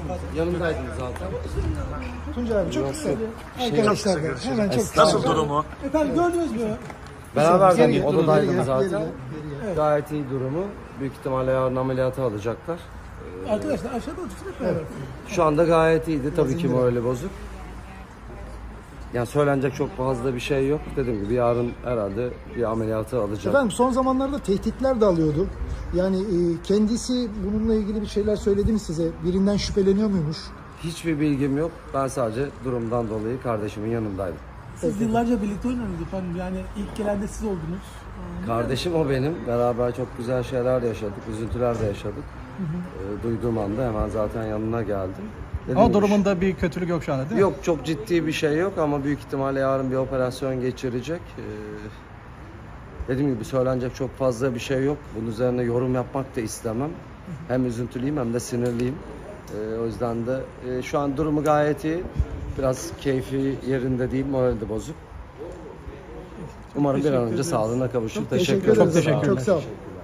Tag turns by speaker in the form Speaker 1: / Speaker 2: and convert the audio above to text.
Speaker 1: Yanımdaydınız zaten.
Speaker 2: Tuncay abi çok kısa. Arkadaşlar da hemen çok kısa.
Speaker 3: Nasıl durumu?
Speaker 4: Efendim gördünüz mü?
Speaker 1: Beraber odadaydım
Speaker 2: Geri,
Speaker 1: zaten.
Speaker 2: geri.
Speaker 1: Gayet iyi durumu. Büyük ihtimalle yarın ameliyata alacaklar.
Speaker 4: Arkadaşlar aşağıda otursun hep beraber.
Speaker 1: Şu anda gayet iyiydi. Tabii ki morali bozuk. Yani söylenecek çok fazla bir şey yok. Dediğim gibi yarın herhalde bir ameliyatı alacak.
Speaker 2: Efendim son zamanlarda tehditler de alıyordu. Yani kendisi bununla ilgili bir şeyler söyledi mi size? Birinden şüpheleniyor muymuş?
Speaker 1: Hiçbir bilgim yok. Ben sadece durumdan dolayı kardeşimin yanındaydım.
Speaker 4: Siz yıllarca birlikte oynadınız efendim. Yani ilk gelen de siz oldunuz.
Speaker 1: Kardeşim o benim. Beraber çok güzel şeyler de yaşadık. Üzüntüler de yaşadık. Duyduğum anda hemen zaten yanına geldim. Dediğim
Speaker 3: Ama
Speaker 1: gibi
Speaker 3: durumunda bir kötülük yok şu anda değil mi?
Speaker 1: yok, çok ciddi bir şey yok ama büyük ihtimalle yarın bir operasyon geçirecek. Dediğim gibi söylenecek çok fazla bir şey yok. Bunun üzerine yorum yapmak da istemem. Hem üzüntülüyüm hem de sinirliyim. O yüzden de şu an durumu gayet iyi. Biraz keyfi yerinde değil, morali de bozuk. Umarım bir an önce sağlığına kavuşur.
Speaker 2: Teşekkür ederiz.
Speaker 3: Çok teşekkürler.
Speaker 2: Çok sağ ol.